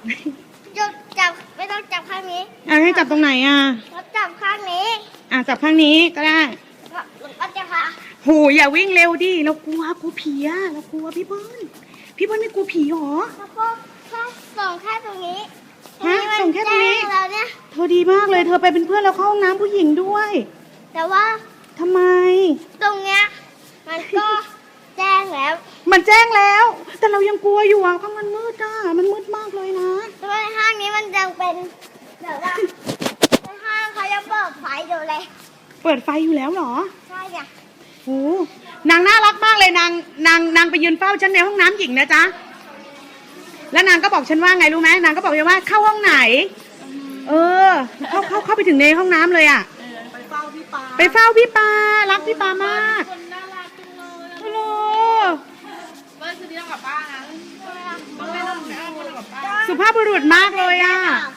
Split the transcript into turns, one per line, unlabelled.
จับไม่ต้องจับข้างนี้
ให้จับตรงไหน
เราจับข้างนี้
จับข้างนี้ก็ได้
ก็จะพา
โหอย่าวิ่งเร็วดิเรากลัวผีเรากลัวพี่เบิ้ลไม่กลัวผีหรอ
แล้วก็แค่ส่งแค่ตรงนี้
ส่งแค่ตรงนี้
เราเนี่ย
เธอดีมากเลยเธอไปเป็นเพื่อนเราเข้าห้องน้ำผู้หญิงด้วย
แต่ว่า
ทำไม
ตรงเนี้ยมันก็แจ้งแล้ว
มันแจ้งแล้วแต่เรายังกลัวอยู่ข้างมันมืดมันมืดมากเลยนะ
แต่ว่าห้างนี้มันยังเป็นแบบว่าในห้างเขาจะเปิดไฟอยู่เลย
เปิดไฟอยู่แล้วเหรอ
ใช่จ้ะ
โอ้นางน่ารักมากเลยนางไปยืนเฝ้าฉันในห้องน้ำหญิงนะจ๊ะแล้วนางก็บอกฉันว่าไงรู้ไหมนางก็บอกว่าเข้าห้องไหนเข้าไปถึงในห้องน้ำเลย
ไปเฝ้าพี่ปา
รักพี่ปามาก
คนน่ารักจังเลย
โอ้โห
เบิ้ลคืนนี้ต้องกลับบ้านนะต้องกลับบ้าน
สุภาพบุรุษมากเลย